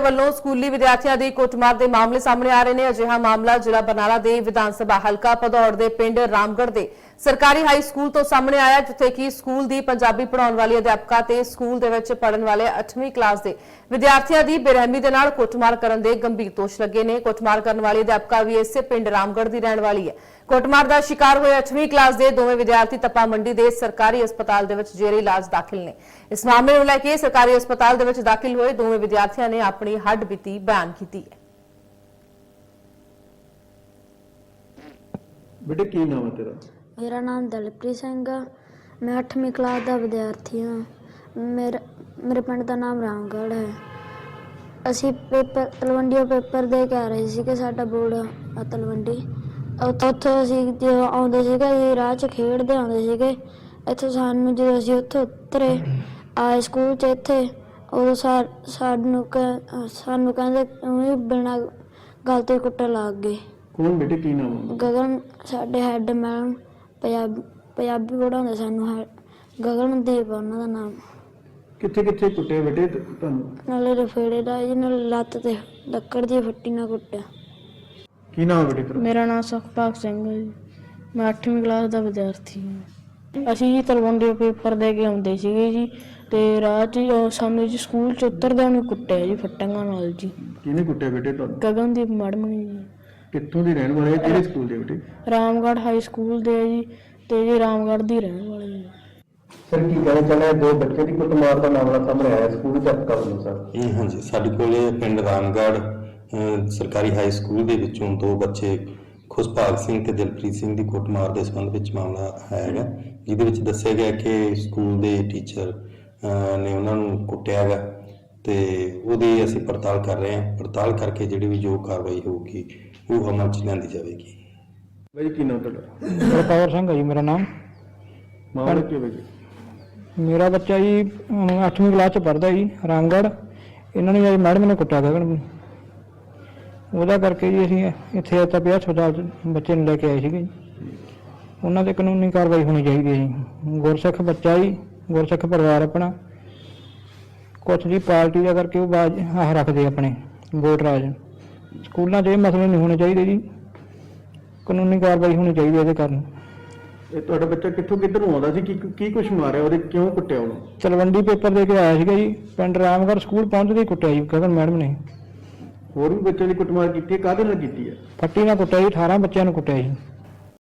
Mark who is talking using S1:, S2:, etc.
S1: ਵੱਲੋਂ ਸਕੂਲੀ ਵਿਦਿਆਰਥੀਆਂ ਦੀ ਕੁੱਟਮਾਰ ਦੇ ਮਾਮਲੇ ਸਾਹਮਣੇ ਆ ਰਹੇ ਨੇ। ਅਜਿਹਾ ਮਾਮਲਾ ਜ਼ਿਲ੍ਹਾ ਬਰਨਾਲਾ ਦੇ ਵਿਧਾਨ ਸਭਾ ਹਲਕਾ ਭਦੌੜ ਦੇ ਪਿੰਡ ਰਾਮਗੜ੍ਹ ਦੇ ਸਰਕਾਰੀ ਹਾਈ ਸਕੂਲ ਤੋਂ ਸਾਹਮਣੇ ਆਇਆ, ਜਿੱਥੇ ਕਿ ਸਕੂਲ ਦੀ ਪੰਜਾਬੀ ਪੜ੍ਹਾਉਣ ਵਾਲੀ ਅਧਿਆਪਕਾ ਤੇ ਸਕੂਲ ਦੇ ਵਿੱਚ ਪੜ੍ਹਨ ਵਾਲੇ 8ਵੀਂ ਕਲਾਸ ਦੇ ਵਿਦਿਆਰਥੀਆਂ ਦੀ ਬੇਰਹਿਮੀ ਦੇ ਨਾਲ ਕੁੱਟਮਾਰ ਕਰਨ ਦੇ ਗੰਭੀਰ ਦੋਸ਼ ਲੱਗੇ ਨੇ। ਕੁੱਟਮਾਰ ਕਰਨ ਵਾਲੀ ਅਧਿਆਪਕਾ ਵੀ ਇਸੇ ਪਿੰਡ ਰਾਮਗੜ੍ਹ ਦੀ ਰਹਿਣ ਵਾਲੀ ਹੈ। ਕੁੱਟਮਾਰ ਦਾ ਸ਼ਿਕਾਰ ਹੋਏ 8ਵੀਂ ਕਲਾਸ ਦੇ ਦੋਵੇਂ ਵਿਦਿਆਰਥੀ ਤੱਪਾ ਮੰਡੀ ਦੇ ਸਰਕਾਰੀ ਹਸਪਤਾਲ ਦੇ ਵਿੱਚ ਜੇਰੇ ਇਲਾਜ ਦਾਖਲ ਨੇ। ਇਸ ਮਾਮਲੇ ਨੂੰ ਲੈ ਕੇ ਸਰਕਾਰੀ ਹਸਪਤਾਲ ਦੇ ਵਿੱਚ ਦਾਖਲ ਹੋਏ ਦੋਵੇਂ ਵਿਦਿਆਰਥੀਆਂ ਨੇ ਆਪਣੀ ਹੱਡਬੀਤੀ ਬਿਆਨ ਕੀਤੀ ਹੈ।
S2: बेटे की नाम है तेरा?
S3: मेरा नाम दलप्रीत सिंह है। मैं 8वीं क्लास का विद्यार्थी हाँ। मेरे पिंड का नाम रामगढ़ है। असी पेपर तलवंडी पेपर दे के आ रहे थे कि साडा बोर्ड आ तलवंडी, उत्थों असी जो आउंदे सीगे राह च खेडदे आउंदे सीगे। इत्थों सानू जो असी उत्थों उतरे आए स्कूल च इत्थे उदों सानू कहंदे बिना गल तो कुट्टन लग गए।
S2: कौन बेटे की नाम है?
S3: गगन साडे हैड मैडम पंजाबी पढ़ाउंदे सानू गगनदीप उन्हां दा नाम।
S2: कित्थे कित्थे कुट्टे बेटे तुहानू?
S3: नाले रफेड़े दा जी, नाले लत्त ते ਲੱਕੜ ਦੀ ਫੱਟੀ ਨਾਲ ਕੁੱਟਿਆ।
S2: की नाम है बेटे तेरा?
S4: मेरा नाम सुखपाल सिंह है जी। मैं 8वीं क्लास का विद्यार्थी हाँ। ਅਸੀਂ ਜੀ ਤਲਵੰਡੀ ਪੇਪਰ ਦੇ ਕੇ ਆਉਂਦੇ ਸੀਗੇ ਜੀ, ਤੇ ਰਾਹ 'ਚ ਸਾਹਮਣੇ ਜੀ ਸਕੂਲ 'ਚ ਉਤਰਦਿਆਂ ਨੂੰ ਕੁੱਟਿਆ ਜੀ ਫੱਟੀਆਂ ਨਾਲ ਜੀ।
S2: किहने कुट्टे बेटे तुहानू?
S4: ਗਗਨਦੀਪ ਮੈਡਮ ਨੇ ਜੀ।
S2: कित्थों दी रहण वाले? किहड़े स्कूल दे बेटे?
S4: ਰਾਮਗੜ੍ਹ ਹਾਈ ਸਕੂਲ ਦੇ ਜੀ, ਤੇ ਜੀ ਰਾਮਗੜ੍ਹ ਦੀ ਰਹਿਣ ਵਾਲੇ ਜੀ।
S2: सर की कहना चाहना है, दो बच्चे की कुटमार का मामला सामने आया स्कूल च कब ਨੂੰ सर?
S5: हाँ जी, ਸਾਡੇ ਕੋਲੇ ਪਿੰਡ ਰਾਮਗੜ੍ਹ ਸਰਕਾਰੀ ਹਾਈ ਸਕੂਲ ਦੇ ਵਿੱਚੋਂ ਦੋ ਬੱਚੇ ਖੁਸ਼ਭਾਗ ਸਿੰਘ ਤੇ ਦਿਲਪ੍ਰੀਤ ਸਿੰਘ ਦੀ ਕੁੱਟਮਾਰ ਦੇ ਸੰਬੰਧ ਵਿੱਚ ਮਾਮਲਾ ਆਇਆ ਹੈਗਾ, ਜਿਹਦੇ ਵਿੱਚ ਦੱਸਿਆ ਗਿਆ ਕਿ ਸਕੂਲ ਦੇ ਟੀਚਰ ਨੇ ਉਹਨਾਂ ਨੂੰ ਕੁੱਟਿਆ ਹੈਗਾ, ਤੇ ਉਹਦੀ ਅਸੀਂ ਪੜਤਾਲ ਕਰ ਰਹੇ ਹਾਂ। ਪੜਤਾਲ ਕਰਕੇ ਜਿਹੜੀ ਵੀ ਜੋ ਕਾਰਵਾਈ ਹੋਊਗੀ ਉਹ ਅਮਲ 'ਚ ਲਿਆਂਦੀ ਜਾਵੇਗੀ।
S2: भाई की नाम तेरा?
S6: गुरपावर सिंह है जी मेरा नाम।
S2: मामला की वजह?
S6: मेरा बच्चा जी 8वीं क्लास च पढ़ता जी रामगढ़। इन्होंने जी मैडम ने कुट्टिया गगन ਨੂੰ, ਉਹਦਾ ਕਰਕੇ ਜੀ ਅਸੀਂ ਇੱਥੇ ਤਪਿਆ ਹਸਪਤਾਲ ਬੱਚੇ ਨੂੰ ਲੈ ਕੇ ਆਏ ਸੀਗੇ ਜੀ। ਉਹਨਾਂ ਤੇ ਕਾਨੂੰਨੀ ਕਾਰਵਾਈ ਹੋਣੀ ਚਾਹੀਦੀ ਹੈ ਜੀ। ਗੁਰਸਿੱਖ ਬੱਚਾ ਜੀ, ਗੁਰਸਿੱਖ ਪਰਿਵਾਰ ਆਪਣਾ, ਕੁਛ ਜੀ ਪਾਰਟੀ ਦਾ ਕਰਕੇ ਉਹ ਬਾਜ ਆਹ ਰੱਖਦੇ ਆਪਣੇ ਵੋਟ ਰਾਜ। ਸਕੂਲਾਂ 'ਚ ਇਹ ਮਸਲੇ ਨਹੀਂ ਹੋਣੇ ਚਾਹੀਦੇ ਜੀ, ਕਾਨੂੰਨੀ ਕਾਰਵਾਈ ਹੋਣੀ ਚਾਹੀਦੀ ਇਹਦੇ ਕਾਰਨ।
S2: ਇਹ ਤੁਹਾਡਾ ਬੱਚਾ ਕਿੱਥੋਂ ਕਿੱਧਰੋਂ ਆਉਂਦਾ ਸੀ? ਕੀ ਕੁਛ ਮਾਰਿਆ ਉਹਦੇ? ਕਿਉਂ ਕੁੱਟਿਆ ਉਹਨੂੰ?
S6: ਤਲਵੰਡੀ ਪੇਪਰ ਦੇ ਕੇ ਆਇਆ ਸੀਗਾ ਜੀ, ਪਿੰਡ ਰਾਮਗੜ੍ਹ ਸਕੂਲ ਪਹੁੰਚਦੇ ਹੀ ਕੁੱਟਿਆ ਜੀ ਗਗਨ ਮੈਡਮ ਨੇ।
S2: ਹੋਰ ਵੀ ਬੱਚਿਆਂ ਦੀ ਕੁੱਟਮਾਰ ਕੀਤੀ ਹੈ? ਕਾਹਦੇ ਨਾਲ ਕੀਤੀ ਹੈ?
S6: ਫੱਟੀ ਨਾਲ ਕੁੱਟਿਆ ਜੀ, 18 ਬੱਚਿਆਂ ਨੂੰ ਕੁੱਟਿਆ ਜੀ।